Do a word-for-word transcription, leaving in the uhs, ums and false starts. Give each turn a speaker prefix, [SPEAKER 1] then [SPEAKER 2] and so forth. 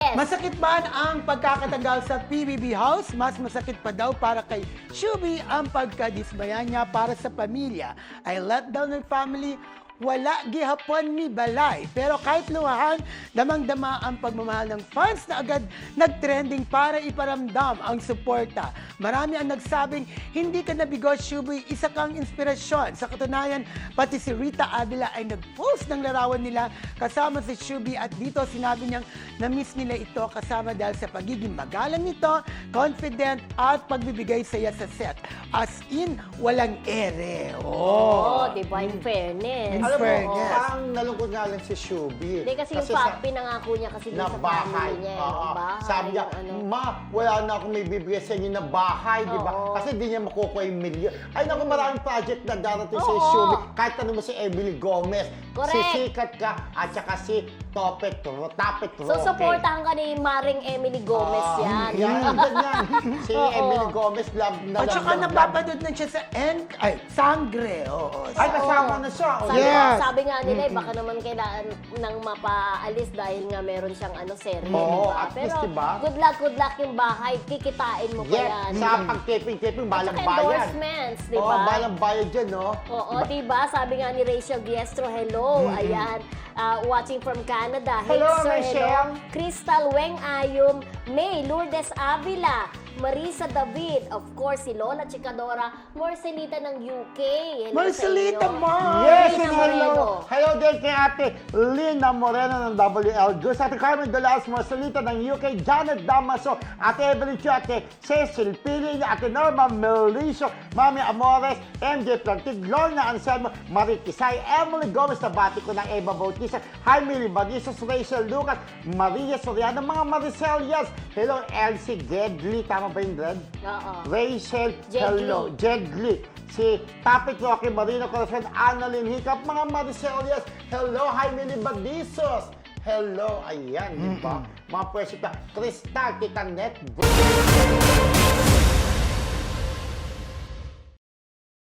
[SPEAKER 1] Yes.
[SPEAKER 2] Masakit ba ang pagkakatagal sa P B B House? Mas masakit pa daw para kay Shubi ang pagkadismaya niya para sa pamilya. Ay let down ng family, wala gihapon ni balay. Pero kahit luwahan, damang-dama ang pagmamahal ng fans na agad nag-trending para iparamdam ang suporta. Marami ang nagsabing, hindi ka nabigo, Shubi, isa kang inspirasyon. Sa katunayan, pati si Rita Avila ay nag-post ng larawan nila kasama si Shubi at dito sinabi niyang na-miss nila ito kasama dahil sa pagiging magalang nito, confident at pagbibigay saya sa set. As in, walang ere.
[SPEAKER 1] Oo,
[SPEAKER 2] Oh.
[SPEAKER 1] di ba? In fairness.
[SPEAKER 2] In
[SPEAKER 3] Alam mo,
[SPEAKER 2] fairness.
[SPEAKER 3] parang nalungkot nga lang si Shubi.
[SPEAKER 1] Hindi kasi, yung
[SPEAKER 3] sa-
[SPEAKER 1] pa, pinangako niya kasi dun
[SPEAKER 3] na
[SPEAKER 1] sa
[SPEAKER 3] bahay.
[SPEAKER 1] family niya.
[SPEAKER 3] Oo.
[SPEAKER 1] Yung bahay.
[SPEAKER 3] Sabi niya,
[SPEAKER 1] yung ano.
[SPEAKER 3] ma, wala na akong may bibigay sa inyo na bahay, di ba?
[SPEAKER 1] Oo.
[SPEAKER 3] Kasi di niya makukuha yung milyon. Ay, naku, maraming project na darating sa
[SPEAKER 1] Oo.
[SPEAKER 3] Shubi. Kahit tanong mo si Emily Gomez,
[SPEAKER 1] Correct.
[SPEAKER 3] si Sikat ka, at saka si Topet Ro, Tapet Ro.
[SPEAKER 1] So, supportahan ka ni Maring Emily Gomez yan.
[SPEAKER 3] Yan, ganyan. Si
[SPEAKER 1] Oo.
[SPEAKER 3] Emily Gomez, love na
[SPEAKER 2] At
[SPEAKER 3] love
[SPEAKER 2] saka
[SPEAKER 3] na love.
[SPEAKER 2] napapanood na siya sa N, ay, Sangre. Oo.
[SPEAKER 3] Ay, kasama na siya.
[SPEAKER 1] Sabi,
[SPEAKER 2] Yes.
[SPEAKER 1] sabi nga nila, eh, baka naman kailangan nang mapaalis dahil nga meron siyang ano serye,
[SPEAKER 3] Oo,
[SPEAKER 1] diba?
[SPEAKER 3] at least,
[SPEAKER 1] Pero
[SPEAKER 3] diba?
[SPEAKER 1] good luck, good luck yung bahay. Kikitain mo pa
[SPEAKER 3] Yes,
[SPEAKER 1] yan.
[SPEAKER 3] sa pag-taping-taping,
[SPEAKER 1] At
[SPEAKER 3] balang
[SPEAKER 1] saka
[SPEAKER 3] bayan.
[SPEAKER 1] endorsements, di
[SPEAKER 3] Oo,
[SPEAKER 1] ba?
[SPEAKER 3] balang bayan dyan, no?
[SPEAKER 1] Oo, diba? Sabi nga ni Rachel Diestro, hello. Ayan. Ah, watching from Canada. Hey,
[SPEAKER 3] Hello,
[SPEAKER 1] sir,
[SPEAKER 3] Rachel.
[SPEAKER 1] hello. Crystal Weng Ayum, May Lourdes Avila, Marisa David, of course, si Lola Chicadora, Marcelita ng U K. Hello
[SPEAKER 2] Marcelita,
[SPEAKER 1] sa inyo.
[SPEAKER 2] Ma!
[SPEAKER 3] Yes,
[SPEAKER 1] Lina
[SPEAKER 3] and
[SPEAKER 1] Moreno.
[SPEAKER 3] hello. Hello din kay ate Lina Moreno ng W L Juice, ate Carmen Dolaos Marcelita ng U K, Janet Damaso, ate Evelyn Chu, ate Cecil Pili, ate Norma Melicio, Mami Amores, M J Plantig, Lorna Anselmo, Marie Kisay, Emily Gomez, nabati ko ng Eva Bautista, Jaime Libanisos, Rachel Lucas, Maria Soriano, mga Maricelias. Hello, Elsie Gedli, tama ba yung Dred?
[SPEAKER 1] Oo.
[SPEAKER 3] Rachel,
[SPEAKER 1] Jedli.
[SPEAKER 3] hello. Jedli. Si Tapit Roque Marino Corazon, Annalyn Hiccup, mga Maricelias. Hello, Jaime Libadisos. Hello, ayan, di ba? Mga pwesita, Crystal, Tita Net,